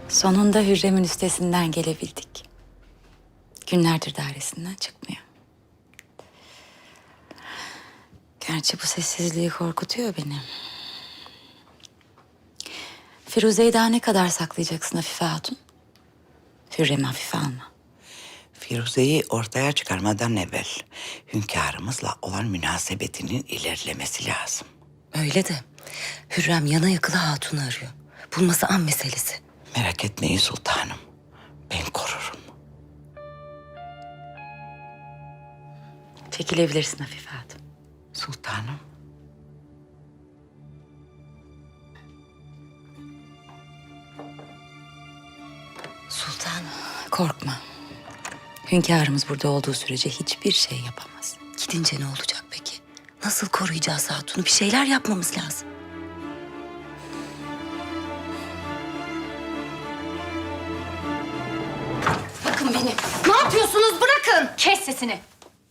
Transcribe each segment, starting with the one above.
Sonunda Hürrem'in üstesinden gelebildik. Günlerdir dairesinden çıkmıyor. Gerçi bu sessizliği korkutuyor beni. Firuze'yi daha ne kadar saklayacaksın Afife Hatun? Hürrem'i hafife alma. Firuze'yi ortaya çıkarmadan evvel hünkârımızla olan münasebetinin ilerlemesi lazım. Öyle de Hürrem yana yakıla Hatun'u arıyor. Bulması an meselesi. Merak etmeyin sultanım. Ben korurum. Çekilebilirsin Afife Hatun. Sultanım. Sultanım. Korkma. Hünkârımız burada olduğu sürece hiçbir şey yapamaz. Gidince ne olacak peki? Nasıl koruyacağız Hatun'u? Bir şeyler yapmamız lazım. Bırakın beni. Ne yapıyorsunuz? Bırakın. Kes sesini.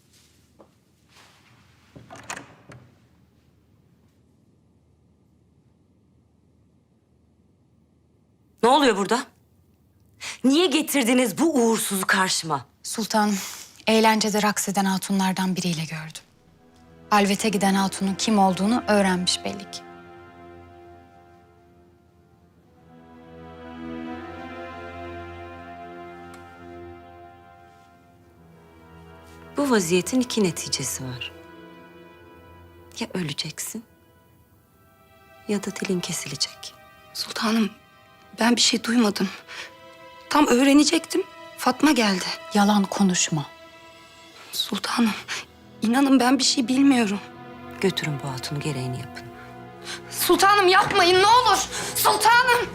Ne oluyor burada? Niye getirdiniz bu uğursuzu karşıma? Sultanım, eğlencede raks eden hatunlardan biriyle gördüm. Halvete giden hatunun kim olduğunu öğrenmiş belli ki. Bu vaziyetin iki neticesi var. Ya öleceksin ya da dilin kesilecek. Sultanım, ben bir şey duymadım. Tam öğrenecektim. Fatma geldi. Yalan konuşma. Sultanım, inanın ben bir şey bilmiyorum. Götürün bu hatunu, gereğini yapın. Sultanım yapmayın ne olur. Sultanım.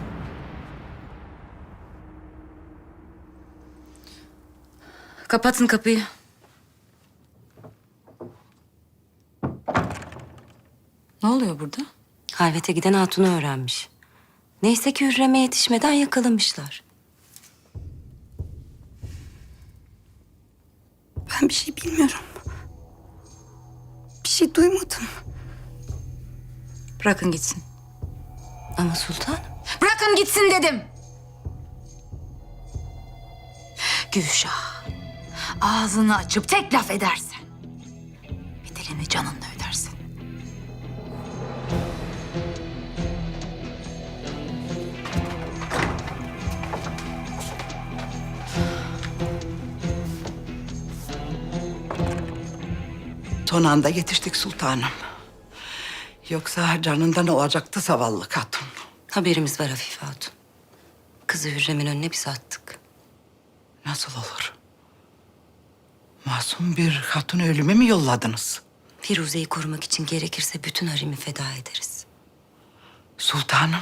Kapatın kapıyı. Ne oluyor burada? Halvete giden hatunu öğrenmiş. Neyse ki Hürrem'e yetişmeden yakalamışlar. Ben bir şey bilmiyorum. Bir şey duymadım. Bırakın gitsin. Ama sultan, Bırakın gitsin dedim. Gülşah, ağzını açıp tek laf edersen bedelini canınla ödersin. Son anda yetiştik sultanım. Yoksa canından olacaktı zavallı hatun. haberimiz var Afife Hatun. Kızı Hürrem'in önüne biz attık. Nasıl olur? Masum bir hatun ölüme mi yolladınız? Firuze'yi korumak için gerekirse bütün haremi feda ederiz. Sultanım.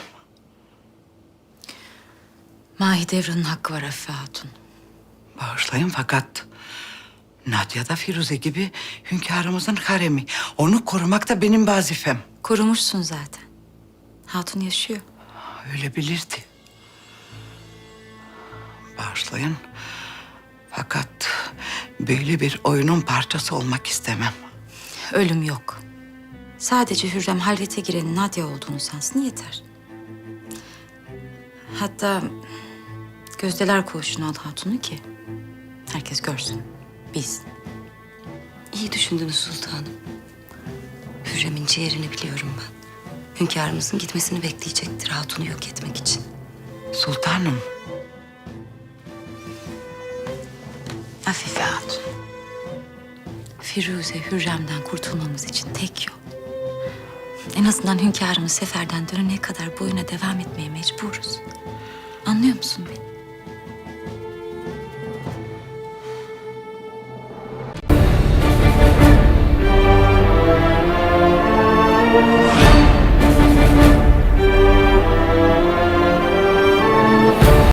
Mahidevran'ın hakkı var Afife Hatun. Bağışlayın fakat Nadia da Firuze gibi hünkârımızın haremi. Onu korumak da benim vazifem. Korumuşsun zaten. Hatun yaşıyor. Öyle bilirdi. Bağışlayın. Fakat böyle bir oyunun parçası olmak istemem. Ölüm yok. Sadece Hürrem halvete girenin Nadia olduğunu sansın yeter. Hatta gözdeler koğuşuna al hatunu ki herkes görsün, bilsin. İyi düşündünüz sultanım. Hürrem'in ciğerini biliyorum ben. Hünkârımızın gitmesini bekleyecektir hatunu yok etmek için. Sultanım. Afife Hatun. Firuze Hürrem'den kurtulmamız için tek yol. En azından hünkârımız seferden dönene kadar bu oyuna devam etmeye mecburuz. Anlıyor musun beni?